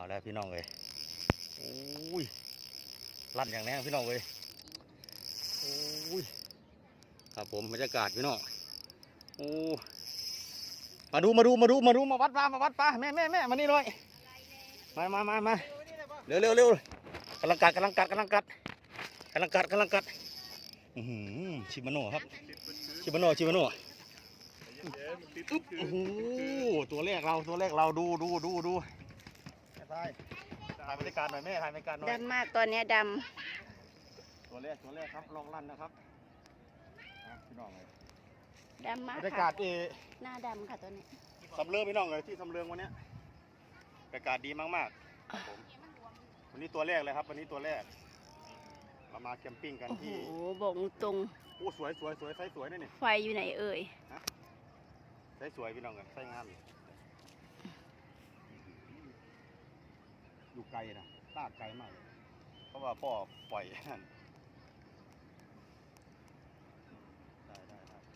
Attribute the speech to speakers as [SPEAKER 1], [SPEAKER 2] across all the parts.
[SPEAKER 1] แล้วพี่น้องเลยโอ้ยลั่นอย่างแรงพี่น้องเลยโอ้ยครับผมบรรยากาศพี่น้องโอ้มาดูมาวัดปลาแม่มานี่เลยมาเร็วกำลังกัดชิมาโน่ครับชิมาโน่โอ้โหตัวแรกเราดูถ่ายบรรยากาศหน่อยแม่ถ่ายบรรยากาศหน่อย
[SPEAKER 2] ดำมากตอนนี้ด
[SPEAKER 1] ตัวแรกครับลองลั่นนะครับพี่น้องเลย
[SPEAKER 2] ำดำมาก
[SPEAKER 1] บรรยากา
[SPEAKER 2] ค่ะ
[SPEAKER 1] ศ
[SPEAKER 2] หน้าดำค่ะตัวนี้
[SPEAKER 1] สำเริงพี่น้องเลยที่สำเริงวันนี้บรรยากาศดีมากๆครับผมวันนี้ตัวแรกเลยครับวันนี้ตัวแรกเรามาแคมปิ้งกัน
[SPEAKER 2] โอ้โห
[SPEAKER 1] ที่
[SPEAKER 2] บอกตรง
[SPEAKER 1] โอ้สวยไซส์สวยนี่
[SPEAKER 2] ไฟอยู่ไหนเอ่ย
[SPEAKER 1] ไซส์สวยพี่น้องเลยไซส์งามอยู่ไกลนะลากไกลมากเพราะว่าพ่อปล่อยนั่นได้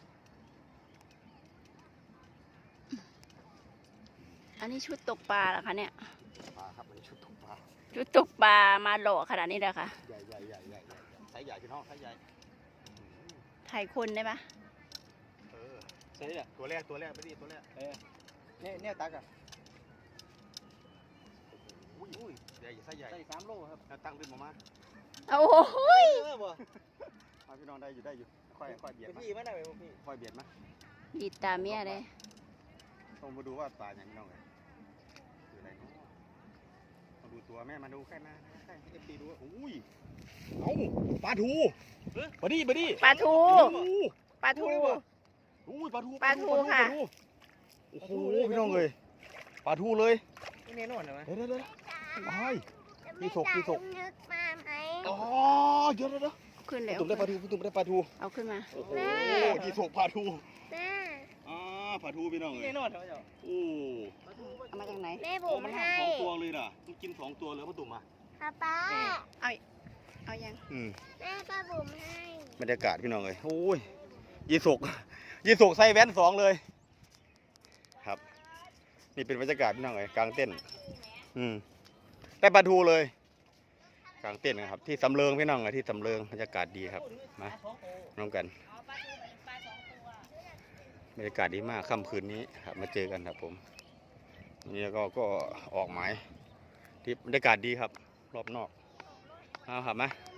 [SPEAKER 2] อันนี้ชุดตกปลาเหรอคะเนี่ย
[SPEAKER 1] ปลาครับวันนี้ชุดตกปลา
[SPEAKER 2] ชุดตกปลามาหล่อขนาดนี้เลยค่ะ
[SPEAKER 1] ใหญ่ไซส์ใหญ่พี่น้องไซส์ใหญ่
[SPEAKER 2] ถ่ายคนได้ปะ
[SPEAKER 1] ใช่เนี่ยตัวแรกไปดิตัวแรก
[SPEAKER 3] เนี่ยตักอ่ะ
[SPEAKER 1] อุ้ยใหญ่ไซส์ใหญ่
[SPEAKER 3] ได้3 โลครับ
[SPEAKER 1] ตั้งขึ้นมา
[SPEAKER 2] โอ้โหย
[SPEAKER 3] บ่
[SPEAKER 1] พี่น้องได้อยู่ค่อยเบียดมา
[SPEAKER 3] พี่มันได้ไหมพี่
[SPEAKER 1] ค่อยเบียดมา
[SPEAKER 2] ดีดตาเมียเลย
[SPEAKER 1] ต้องมาดูว่าปลาอย่างพี่น้องเลยคืออะไรเนาะมาดูตัวแม่มาดูใกล้มาใกล้เอฟซีดูอุ้ยเอ้าปลาทูมาดิ
[SPEAKER 2] ปลาทู ปลาทู
[SPEAKER 1] อุ้ยปลาทู
[SPEAKER 2] ค่ะ
[SPEAKER 1] โอ้โหพี่น้องเลยปลาทูเลย
[SPEAKER 3] นี่แน่นอนใช่ไหม
[SPEAKER 1] เดี๋ยวพี่ศก
[SPEAKER 4] นึกมาไหม
[SPEAKER 1] อ๋อเดี๋ยว
[SPEAKER 2] ขึ้นแล้ว
[SPEAKER 1] ตุ่มได้ปลาทู
[SPEAKER 2] เอาขึ้นมา
[SPEAKER 1] โอ้โหพี่ศกปลาทู
[SPEAKER 4] แม่
[SPEAKER 1] ปลาทูพี่น้องเล
[SPEAKER 3] แน่
[SPEAKER 1] ย
[SPEAKER 3] นอนใช่ไหมเจ้า
[SPEAKER 1] โอ้
[SPEAKER 2] เอามาจากไหน
[SPEAKER 4] แม่
[SPEAKER 1] โอ้
[SPEAKER 4] บุ๋ม
[SPEAKER 1] มัน
[SPEAKER 4] ให้
[SPEAKER 1] สองตัวเลยน่ะมันกิน2 ตัวเลยพ่อตุ่มอ่ะ
[SPEAKER 4] ป๊า
[SPEAKER 2] เอายัง
[SPEAKER 4] แม่ป้าบุ๋มให้
[SPEAKER 1] บรรยากาศพี่น้องเลยโอ้ยยีสกใส่แว่น2เลยครับนี่เป็นบรรยากาศพี่น้องเลยกลางเต้นได้ปลาทูเลยกลางเต้นนะครับที่สำเริงพี่น้องเลยที่สำเริงบรรยากาศดีครับมาน้องกันบรรยากาศดีมากค่ำคืนนี้ครับมาเจอกันครับผมนี่ก็ออกหมายที่บรรยากาศดีครับรอบนอกเอาครับมา